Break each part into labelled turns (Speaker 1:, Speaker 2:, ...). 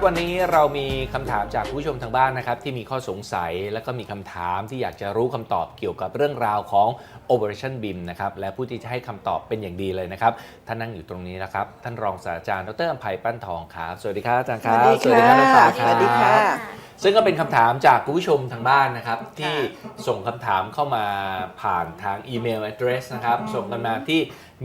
Speaker 1: วันนี้เรามีคำถามจากผู้ชมทางบ้านนะครับที่มีข้อสงสัยและก็มีคำถามที่อยากจะรู้คำตอบเกี่ยวกับเรื่องราวของ Operation BIM นะครับและผู้ที่จะให้คำตอบเป็นอย่างดีเลยนะครับท่านนั่งอยู่ตรงนี้นะครับท่านรองศาสตราจารย์ดร.อำไพปั้นทองครับสวัสดีครับอาจารย์ครับ
Speaker 2: สวัสดีค่ะ
Speaker 1: น้องฟ้าครับ
Speaker 2: สวัสดีค่ะ
Speaker 1: ซึ่งก็เป็นคำถามจากคุณผู้ชมทางบ้านนะครับที่ส่งคำถามเข้ามาผ่านทางอีเมล address นะครับส่งกันมาที่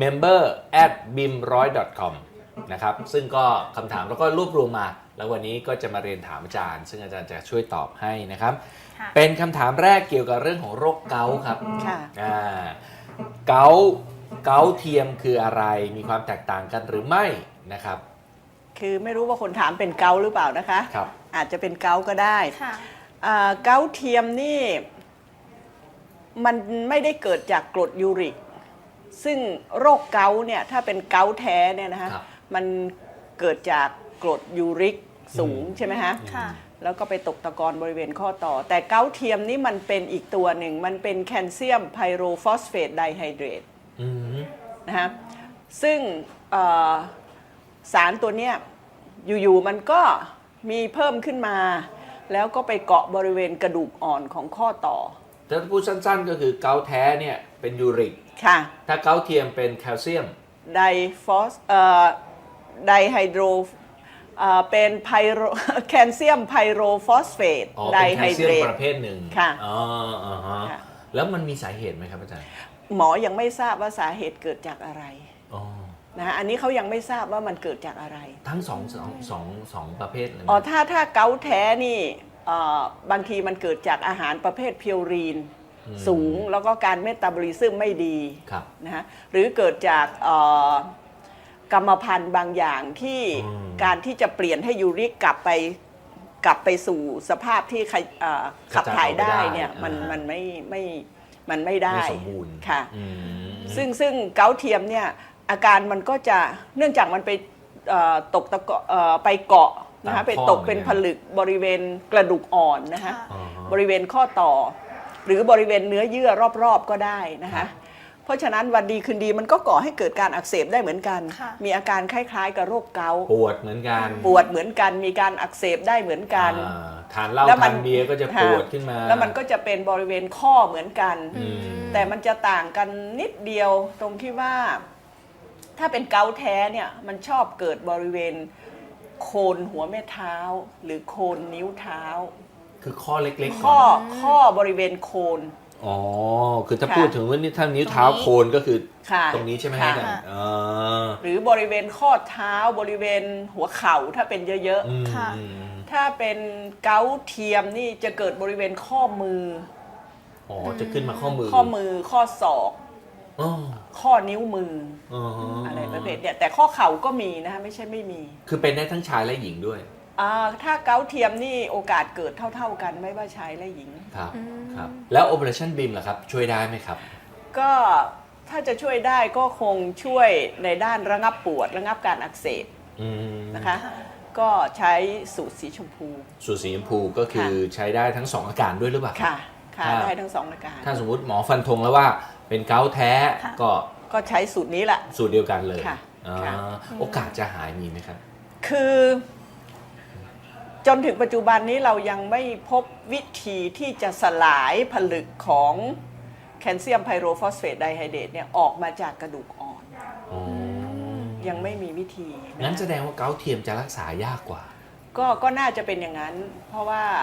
Speaker 1: member@bim100.com นะครับซึ่งก็คำถามเราก็รวบรวมมาแล้ววันนี้ก็จะมาเรียนถามอาจารย์ซึ่งอาจารย์จะช่วยตอบให้นะครับเป็นคำถามแรกเกี่ยวกับเรื่องของโรคเกาต์ครับเกาต์เทียมคืออะไรมีความแตกต่างกันหรือไม่นะครับ
Speaker 2: คือไม่รู้ว่าคนถามเป็นเกาต์หรือเปล่านะคะ
Speaker 1: ครับ
Speaker 2: อาจจะเป็นเกาต์ก็ได้เกาต์เทียมนี่มันไม่ได้เกิดจากกรดยูริกซึ่งโรคเกาต์เนี่ยถ้าเป็นเกาต์แท้เนี่ยนะคะมันเกิดจากกรดยูริกสูงใช่ไหมคะแล้วก็ไปตกตะกอนบริเวณข้อต่อแต่เกาต์เทียมนี่มันเป็นอีกตัวหนึ่งมันเป็นแคลเซียมไพโรฟอสเฟตไดไฮเดรตนะคะซึ่งสารตัวเนี้ยอยู่ๆมันก็มีเพิ่มขึ้นมาแล้วก็ไปเกาะบริเวณกระดูกอ่อนของข้อต่อ
Speaker 1: ถ้าพูดสั้นๆก็คือเกาต์แท้เนี่ยเป็นยูริก
Speaker 2: ค่ะ
Speaker 1: ถ้าเกาต์เทียมเป็นแคลเซียม
Speaker 2: ไดไดไฮโดรเป็นไพโรแคลเซียมไพโรฟอสเฟตไดไฮเดรต
Speaker 1: ประเภทหนึ่ง
Speaker 2: ค่ะ
Speaker 1: แล้วมันมีสาเหตุไหมครับอาจารย์
Speaker 2: หมอยังไม่ทราบว่าสาเหตุเกิดจากอะไรนะอันนี้เขายังไม่ทราบว่ามันเกิดจากอะไร
Speaker 1: ทั้งสองประเภทเลย
Speaker 2: ถ้าเกาต์แท้นี่บางทีมันเกิดจากอาหารประเภทพิวรีนสูงแล้วก็การเมตาบอลิซึมไม่ดีนะฮะหรือเกิดจากกรรมพันธุ์บางอย่างที่การที่จะเปลี่ยนให้ยูริกกลับไปสู่สภาพที่ขับถ่ายได้เนี่ยมันไม่ได้
Speaker 1: ไม่สมบูรณ์
Speaker 2: ค่ะซึ่งเกาต์เทียมเนี่ยอาการมันก็จะเนื่องจากมันไปตกไปเกาะนะคะไปตกเป็นผลึกบริเวณกระดูกอ่อนนะคะบริเวณข้อต่อหรือบริเวณเนื้อเยื่อรอบๆก็ได้นะคะเพราะฉะนั้นวันดีคืนดีมันก็ก่อให้เกิดการอักเสบได้เหมือนกันมีอาการคล้ายๆกับโรคเกาต์
Speaker 1: ปวดเหมือนกัน
Speaker 2: มีการอักเสบได้เหมืมือนกัน
Speaker 1: ทานเหล้าทานเบียร์ก็จะปวดขึ้นมา
Speaker 2: แล้วมันก็จะเป็นบริเวณข้อเหมือนกันแต่มันจะต่างกันนิดเดียวตรงที่ว่าถ้าเป็นเกาต์แท้เนี่ยมันชอบเกิดบริเวณโคนหัวแม่เท้าหรือโคนนิ้วเท้า
Speaker 1: คือข้อเล็กๆ
Speaker 2: ข้อบริเวณโคน
Speaker 1: คือถ้าพูดถึงว่านี่ถ้านิ้วเท้าโคนก็คือตรงนี้ใช่ไหมครับ
Speaker 2: หรือบริเวณข้อเท้าบริเวณหัวเข่าถ้าเป็นเยอะๆถ้าเป็นเกาต์เทียมนี่จะเกิดบริเวณข้อมือ
Speaker 1: จะขึ้นมาข้อมือ
Speaker 2: ข้อศอกข้อนิ้วมืออะไรประเภทเนี่ยแต่ข้อเข่าก็มีนะคะไม่ใช่ไม่มี
Speaker 1: คือเป็นได้ทั้งชายและหญิงด้วย
Speaker 2: ถ้าเกาต์เทียมนี่โอกาสเกิดเท่าๆกันไม่ว่าชายและหญิง
Speaker 1: ครับแล้ว Operation BIM ล่ะครับช่วยได้ไหมครับ
Speaker 2: ก็ถ้าจะช่วยได้ก็คงช่วยในด้านระงับปวดระงับการอักเสบนะคะก็ใช้สูตรสีชมพู
Speaker 1: ก็คือใช้ได้ทั้ง2อาการด้วยหรือเปล่า
Speaker 2: ค่ะได้ทั้ง2อาการ
Speaker 1: ถ้าสมมุติหมอฟันธงแล้วว่าเป็นเกาต์แท้
Speaker 2: ก็ใช้สูตรนี้แหละ
Speaker 1: สูตรเดียวกันเลยโอกาสจะหายมีไหมครับ
Speaker 2: คือจนถึงปัจจุบันนี้เรายังไม่พบวิธีที่จะสลายผลึกของแคลเซียมไพโรฟอสเฟตไดไฮเดรตเนี่ยออกมาจากกระดูกอ่อนยังไม่มีวิธี
Speaker 1: งั้นแสดงว่าเกาต์เทียมจะรักษายากกว่า
Speaker 2: ก็น่าจะเป็นอย่างนั้นเพราะว่า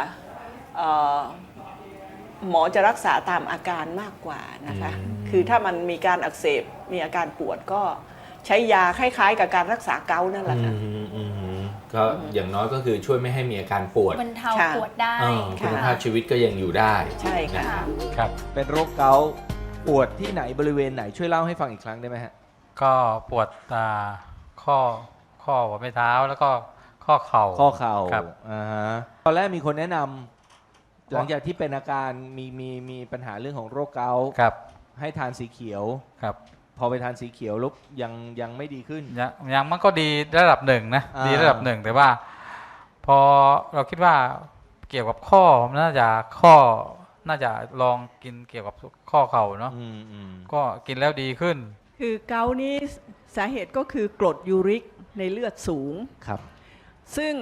Speaker 2: หมอจะรักษาตามอาการมากกว่านะคะคือถ้ามันมีการอักเสบมีอาการปวดก็ใช้ยาคล้ายๆกับการรักษาเกาต์นั่นแหละค่ะ
Speaker 1: ก็อย่างน้อยก็คือช่วยไม่ให้มีอาการปวด
Speaker 3: บรรเทาปวดได้
Speaker 1: คุณภาพชีวิตก็ยังอยู่ได้
Speaker 2: ใช่ค่ะ
Speaker 1: ครับเป็นโรคเกาต์ปวดที่ไหนบริเวณไหนช่วยเล่าให้ฟังอีกครั้งได้ไหมฮะ
Speaker 4: ก็ปวดข้อหัวแม่เท้าแล้วก็ข้อเข่า
Speaker 1: ครับตอนแรกมีคนแนะนำหลังจากที่เป็นอาการมีปัญหาเรื่องของโรคเกาต์ให้ทานสีเขียว
Speaker 4: ครับ
Speaker 1: พอไปทานสีเขียวลุกยังไม่ดีขึ้น
Speaker 4: ยังมันก็ดีระดับหนึ่งนะดีระดับหนึ่งแต่ว่าพอเราคิดว่าเกี่ยวกับข้อน่าจะลองกินเกี่ยวกับข้อเข่าเนาะก็กินแล้วดีขึ้น
Speaker 2: คือเกาต์นี้สาเหตุก็คือกรดยูริกในเลือดสูง
Speaker 1: ครับ
Speaker 2: ซึ่งก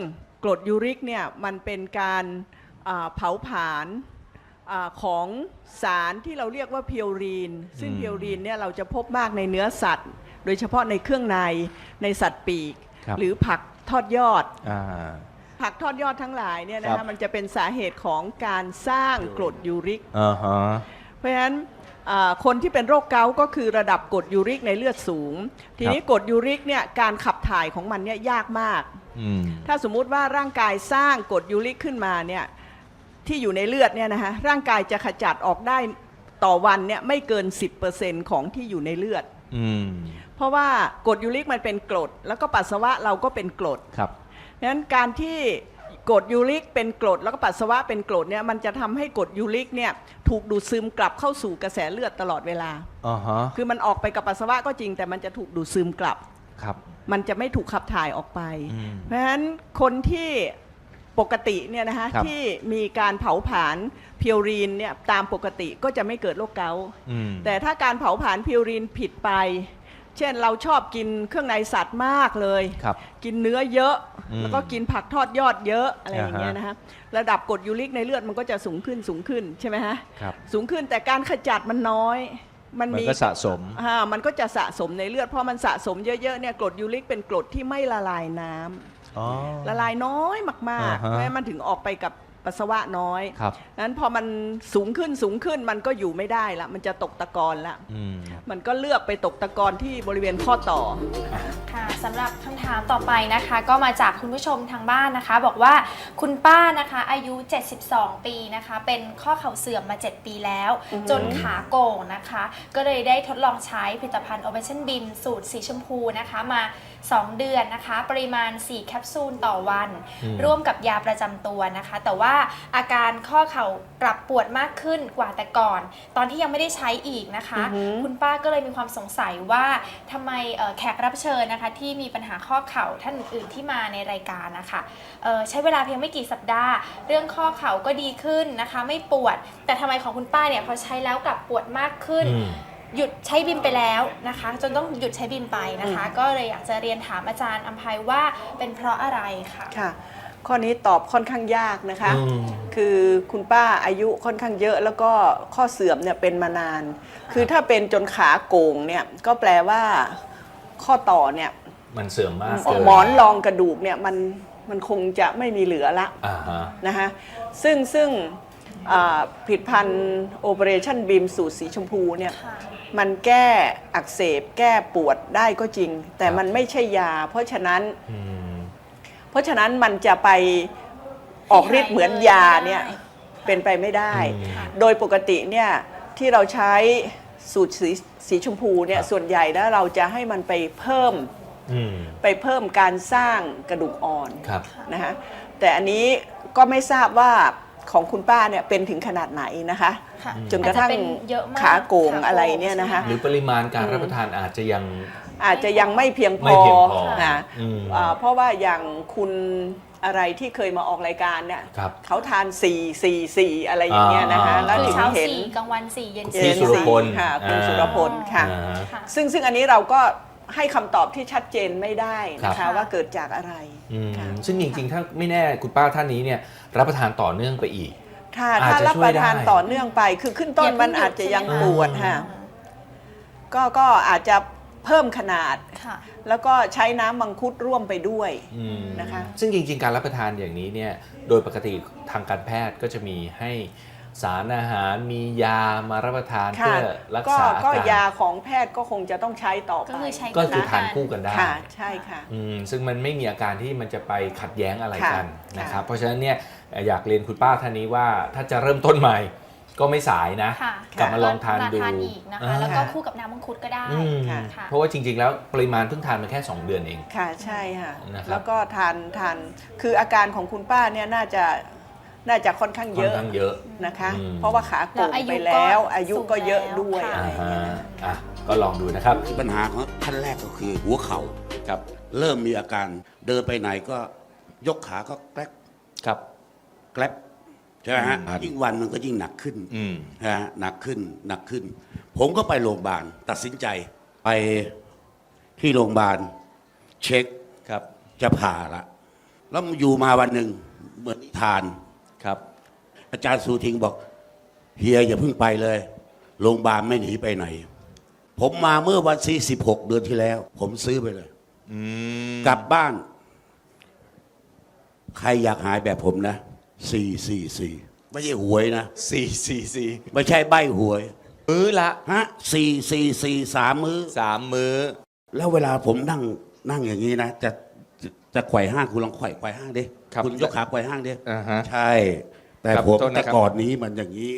Speaker 2: กรดยูริกเนี่ยมันเป็นการเผาผลาญของสารที่เราเรียกว่าพิวรีนซึ่งพิวรีนเนี่ยเราจะพบมากในเนื้อสัตว์ โดยเฉพาะในเครื่องในสัตว์ปีกหรือผักทอดยอดผักทอดยอดทั้งหลายเนี่ยนะคะมันจะเป็นสาเหตุของการสร้างกรดยูริกเพราะฉะนั้นคนที่เป็นโรคเกาต์ก็คือระดับกรดยูริกในเลือดสูงทีนี้กรดยูริกเนี่ยการขับถ่ายของมันเนี่ยยากมากถ้าสมมุติว่าร่างกายสร้างกรดยูริกขึ้นมาเนี่ยที่อยู่ในเลือดเนี่ยนะคะร่างกายจะขจัดออกได้ต่อวันเนี่ยไม่เกิน 10% ของที่อยู่ในเลือดเพราะว่ากรดยูริกมันเป็นกรดแล้วก็ปัสสาวะเราก็เป็นกรดครับดังนั้นการที่กรดยูริกเป็นกรดแล้วก็ปัสสาวะเป็นกรดเนี่ยมันจะทำให้กรดยูริกเนี่ยถูกดูดซึมกลับเข้าสู่กระแสเลือดตลอดเวลาคือมันออกไปกับปัสสาวะก็จริงแต่มันจะถูกดูดซึมกลับมันจะไม่ถูกขับถ่ายออกไปเพราะฉะนั้นคนที่ปกติเนี่ยนะคะที่มีการเผาผลาญพิวรีนเนี่ยตามปกติก็จะไม่เกิดโรคเกาต์แต่ถ้าการเผาผลาญพิวรีนผิดไปเช่นเราชอบกินเครื่องในสัตว์มากเลยกินเนื้อเยอะแล้วก็กินผักทอดยอดเยอะอะไรอย่างเงี้ยนะคะระดับกรดยูริกในเลือดมันก็จะสูงขึ้นใช่ไหมฮะสูงขึ้นแต่การขจัดมันน้อยมันก็สะสมมันก็จะสะสมในเลือดพอมันสะสมเยอะๆเนี่ยกรดยูริกเป็นกรดที่ไม่ละลายน้ำละลายน้อยมากๆเพราะฉะนั้นมันถึงออกไปกับปัสสาวะน้อยนั้นพอมันสูงขึ้นมันก็อยู่ไม่ได้ละมันจะตกตะกอนละมันก็เลือกไปตกตะกอนที่บริเวณข้อต่อ
Speaker 3: ค่ะสำหรับคำถามต่อไปนะคะก็มาจากคุณผู้ชมทางบ้านนะคะบอกว่าคุณป้านะคะอายุ72 ปีนะคะเป็นข้อเข่าเสื่อมมา 7 ปีแล้วจนขาโก่งนะคะก็เลยได้ทดลองใช้ผลิตภัณฑ์ Ovation Beam สูตรสีชมพูนะคะมา2 เดือนนะคะปริมาณ4แคปซูลต่อวันร่วมกับยาประจำตัวนะคะแต่ว่าอาการข้อเข่ากลับปวดมากขึ้นกว่าแต่ก่อนตอนที่ยังไม่ได้ใช้อีกนะคะคุณป้าก็เลยมีความสงสัยว่าทำไมแขกรับเชิญนะคะที่มีปัญหาข้อเข่าท่านอื่นๆที่มาในรายการนะคะใช้เวลาเพียงไม่กี่สัปดาห์เรื่องข้อเข่าก็ดีขึ้นนะคะไม่ปวดแต่ทำไมของคุณป้าเนี่ยพอใช้แล้วกลับปวดมากขึ้นหยุดใช้บิมไปแล้วนะคะจนต้องหยุดใช้บิมไปนะคะก็เลยอยากจะเรียนถามอาจารย์อำไพว่าเป็นเพราะอะไรค่ะ
Speaker 2: ค่ะข้อนี้ตอบค่อนข้างยากนะคะคือคุณป้าอายุค่อนข้างเยอะแล้วก็ข้อเสื่อมเนี่ยเป็นมานานคือถ้าเป็นจนขาโก่งเนี่ยก็แปลว่าข้อต่อเนี่ย
Speaker 1: มันเสื่อมมาก
Speaker 2: หมอนรองกระดูกเนี่ยมันคงจะไม่มีเหลือละนะคะซึ่งผลิตภัณฑ์ Operation Beam สูตรสีชมพูเนี่ยมันแก้อักเสบแก้ปวดได้ก็จริงแต่มันไม่ใช่ยาเพราะฉะนั้นมันจะไปออกฤทธิ์เหมือนยาเนี่ยเป็นไปไม่ได้โดยปกติเนี่ยที่เราใช้สูตรสีชมพูเนี่ยส่วนใหญ่แล้วเราจะให้มันไปเพิ่มการสร้างกระดูกอ่อนนะคะแต่อันนี้ก็ไม่ทราบว่าของคุณป้าเนี่ยเป็นถึงขนาดไหนนะคะจนกระทั่งขาโก่งอะไรเนี่ยนะคะ
Speaker 1: หรือปริมาณการรับประทานอาจจะ
Speaker 2: ยังไม่เพียงพอนะเพราะว่าอย่างคุณอะไรที่เคยมาออกรายการเนี่ยเขาทาน4 อะไรอย่างเงี้ยนะคะแล้วถึงเห็น
Speaker 3: กลางวัน4เย็น
Speaker 2: 4ค่ะคุณสุรพลค่ะซึ่งอันนี้เราก็ให้คำตอบที่ชัดเจนไม่ได้นะคะว่าเกิดจากอะไร
Speaker 1: ซึ่งจริงๆถ้าไม่แน่คุณป้าท่านนี้เนี่ยรับประทานต่อเนื่องไปอีก
Speaker 2: ถ้ารับประทานต่อเนื่องไปคือขึ้นต้นมันอาจจะยังปวดค่ะก็อาจจะเพิ่มขนาดแล้วก็ใช้น้ำมังคุดร่วมไปด้วยนะคะ
Speaker 1: ซึ่งจริงๆการรับประทานอย่างนี้เนี่ยโดยปกติทางการแพทย์ก็จะมีให้สารอาหารมียามารับประทานเพื่อรักษาอาการ
Speaker 2: ก็ยาของแพทย์ก็คงจะต้องใช้ต่อไป
Speaker 1: ก็คือทานคู่กันได้
Speaker 2: ใช่ค่ะ
Speaker 1: ซึ่งมันไม่มีอาการที่มันจะไปขัดแย้งอะไรกันนะครับเพราะฉะนั้นเนี่ยอยากเรียนคุณป้าท่านนี้ว่าถ้าจะเริ่มต้นใหม่ก็ไม่สายนะกลับมาลองทานดู
Speaker 3: อีกนะคะแล้วก็คู่กับน้ำมังคุดก็ได้
Speaker 1: เพราะว่าจริงๆแล้วปริมาณเพิ่งทานมาแค่2 เดือนเอง
Speaker 2: ค่ะใช่ค่ะแล้วก็ทานคืออาการของคุณป้าเนี่ยน่าจะค่อนข้างเยอะนะคะเพราะว่าขาโก่งไปแล้วอายุก็เยอะด้วย
Speaker 1: ก็ลองดูนะครับ
Speaker 5: ปัญหาของท่านแรกก็คือหัวเข่าครับเริ่มมีอาการเดินไปไหนก็ยกขาก็แกลบแกลบใช่ไหมฮะยิ่งวันมันก็ยิ่งหนักขึ้นนะฮะหนักขึ้นผมก็ไปโรงพยาบาลตัดสินใจไปที่โรงพยาบาลเช็คครับจะผ่าละแล้วอยู่มาวันหนึ่งเหมือนนิทาน
Speaker 1: ครับ
Speaker 5: อาจารย์สูทิงบอกเฮียอย่าเพิ่งไปเลยโรงพยาบาลไม่หนีไปไหน ผมมาเมื่อวันที่16 เดือนที่แล้ว ผมซื้อไปเลยกลับบ้าน ใครอยากหายแบบผมนะ444ไม่ใช่หวยนะ
Speaker 6: 444
Speaker 5: ไม่ใช่ใบหวย
Speaker 6: มื้อละ
Speaker 5: ฮะ444 3 มื้อ
Speaker 6: 3 มื้อ
Speaker 5: แล้วเวลาผมนั่งอย่างนี้นะจะไขว่ห้างคุณลองไขว่ห้างดิ
Speaker 6: ครับ
Speaker 5: คุณยกขาไขว่ห้างดิ
Speaker 6: อ่าฮะ
Speaker 5: ใช่ แต่
Speaker 6: ครับ
Speaker 5: ผม
Speaker 6: โทษนะ
Speaker 5: แต่
Speaker 6: ครับ
Speaker 5: ก่อนนี้มันอย่างนี้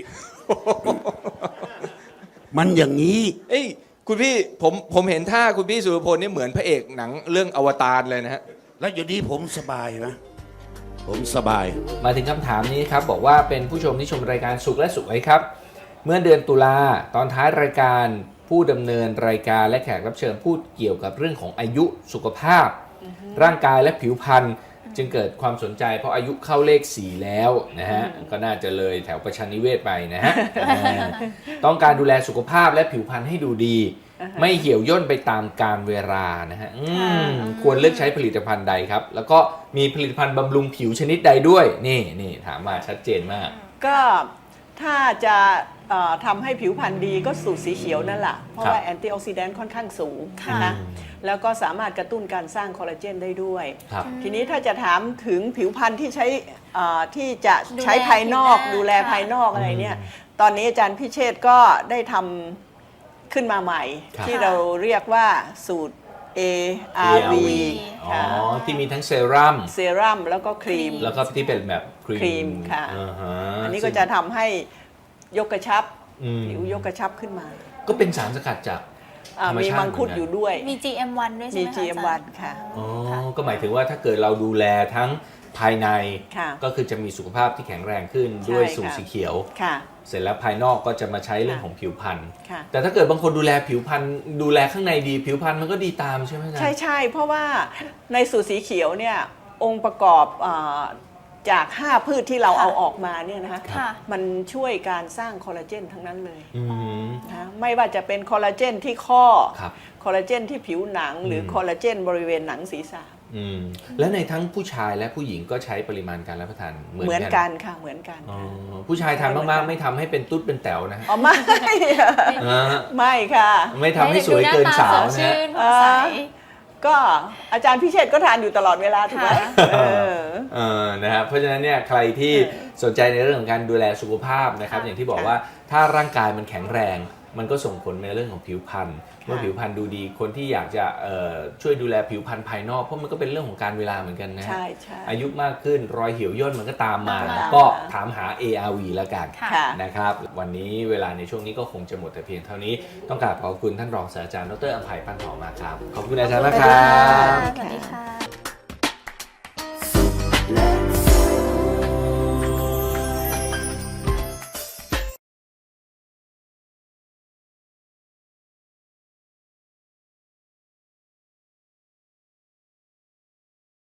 Speaker 5: มันอย่างนี้
Speaker 6: เอ้ยคุณพี่ผมเห็นท่าคุณพี่สุรพลนี่เหมือนพระเอกหนังเรื่องอวตารเลยนะฮะ
Speaker 5: แล้วอยู่นี้ผมสบายนะผมสบาย
Speaker 1: มาถึงคำถามนี้ครับบอกว่าเป็นผู้ชมที่ชมรายการสุขและสุขไว้ครับ เมื่อเดือนตุลาตอนท้ายรายการผู้ดำเนินรายการและแขกรับเชิญพูดเกี่ยวกับเรื่องของอายุสุขภาพ ร่างกายและผิวพรรณจึงเกิดความสนใจเพราะอายุเข้าเลข 4 แล้วนะฮะก็น่าจะเลยแถวประชานิเวศไปนะฮะต้องการดูแลสุขภาพและผิวพรรณให้ดูดี ไม่เหี่ยวย่นไปตามกาลเวลานะฮะควรเลือกใช้ผลิตภัณฑ์ใดครับ แล้วก็มีผลิตภัณฑ์บำรุงผิวชนิดใดด้วยนี่ถามมาชัดเจนมาก
Speaker 2: ก็ถ้าจะทำให้ผิวพรรณดีก็สูตรสีเขียวนั่นแหละเพราะว่าแอนตี้ออกซิแดนต์ค่อนข้างสูงนะคะแล้วก็สามารถกระตุ้นการสร้างคอลลาเจนได้ด้วย
Speaker 1: ครับ
Speaker 2: ทีนี้ถ้าจะถามถึงผิวพรรณที่ใช้ที่จะใช้ภายนอกดูแลภายนอกอะไรเนี่ยตอนนี้อาจารย์พิเชษฐ์ก็ได้ทำขึ้นมาใหม่
Speaker 1: ครับ
Speaker 2: ที่เราเรียกว่าสูตร ARV
Speaker 1: อ๋อ
Speaker 2: ค่ะ
Speaker 1: ที่มีทั้งเซรั่ม
Speaker 2: เซรั่มแล้วก็ครีม
Speaker 1: แล้วก็ที่เป็นแบบค
Speaker 2: ครีมค่ะ อันนี้ก็จะทำให้ยกกระชับผิวยกกระชับขึ้นมา
Speaker 1: ก็เป็นสารสกัดจากธรรม
Speaker 2: มี
Speaker 1: ชาติ
Speaker 2: มังคุดอยู่ด้วย
Speaker 3: มี GM1 ด้วยใช่
Speaker 2: มี
Speaker 3: ไหมคะ
Speaker 2: GM1 ค่ะ
Speaker 1: อ๋อก็หมายถึงว่าถ้าเกิดเราดูแลทั้งภายใน
Speaker 2: ค่ะ
Speaker 1: ก็คือจะมีสุขภาพที่แข็งแรงขึ้น
Speaker 2: ใช่
Speaker 1: ด้วยสูตร
Speaker 2: ค่ะ
Speaker 1: สีเขียว
Speaker 2: ค่ะ
Speaker 1: เสร็จแล้วภายนอกก็จะมาใช้เรื่อง
Speaker 2: ค่ะ
Speaker 1: ของผิวพรรณ
Speaker 2: ค่ะ
Speaker 1: แต่ถ้าเกิดบางคนดูแลผิวพรรณดูแลข้างในดีผิวพรรณมันก็ดีตามใช่ไหมอาจารย์
Speaker 2: ใช่เพราะว่าในสูตรสีเขียวเนี่ยองค์ประกอบจาก 5 พืชที่เราเอาออกมาเนี่ยนะคะ
Speaker 3: ค่ะ
Speaker 2: มันช่วยการสร้างคอลลาเจนทั้งนั้นเลย
Speaker 1: อืม
Speaker 2: นะไม่ว่าจะเป็นคอลลาเจนที่ข้อ
Speaker 1: ครับ
Speaker 2: คอลลาเจนที่ผิวหนัง หรือคอลลาเจนบริเวณหนังศีรษะ
Speaker 1: และในทั้งผู้ชายและผู้หญิงก็ใช้ปริมาณการรับประทานเหมื
Speaker 2: เหมื
Speaker 1: อ
Speaker 2: อน น
Speaker 1: กั
Speaker 2: กัน นค่ะเหมือนกัน
Speaker 1: อ๋อ
Speaker 2: ค่ะ
Speaker 1: ผู้ชายทานมากๆไม่ทำให้เป็นตุ๊ดเป็นแต๋วนะ
Speaker 2: อ๋อไม่
Speaker 1: อ่า
Speaker 2: ไม่ค่ะ
Speaker 1: ไม่ทำให้สวยเกินสาว
Speaker 3: ให้
Speaker 1: นะ
Speaker 3: เด็กดูหน้าตาสดชื่นผ่องใส
Speaker 2: ก็อาจารย์พิเชษฐ์ก็ทานอยู่ตลอดเวลาถูกไหม
Speaker 3: ค่ะ
Speaker 1: นะครับเพราะฉะนั้นเนี่ยใครที่สนใจในเรื่องของการดูแลสุขภาพนะครับ
Speaker 2: ค่ะ
Speaker 1: อย่างที่บอกว่าถ้าร่างกายมันแข็งแรง มันก็ส่งผลในเรื่องของผิวพรรณเมื่อผิวพรรณดูดีคนที่อยากจะช่วยดูแลผิวพรรณภายนอกเพราะมันก็เป็นเรื่องของการเวลาเหมือนกันนะ
Speaker 2: ใช่
Speaker 1: อายุมากขึ้นรอยเหี่ยวย่นมันก็ตามมา
Speaker 2: ตามมา
Speaker 1: ก็ถามหา ARV แล้วกัน
Speaker 2: ค่ะ
Speaker 1: นะครับวันนี้เวลาในช่วงนี้ก็คงจะหมดแต่เพียงเท่านี้ต้องกราบขอบคุณท่านรองศาสตราจารย์ดรอัมไพปันหอมมากครับขอบคุณอาจารย์มากครับ
Speaker 3: สวัสดีค่ะ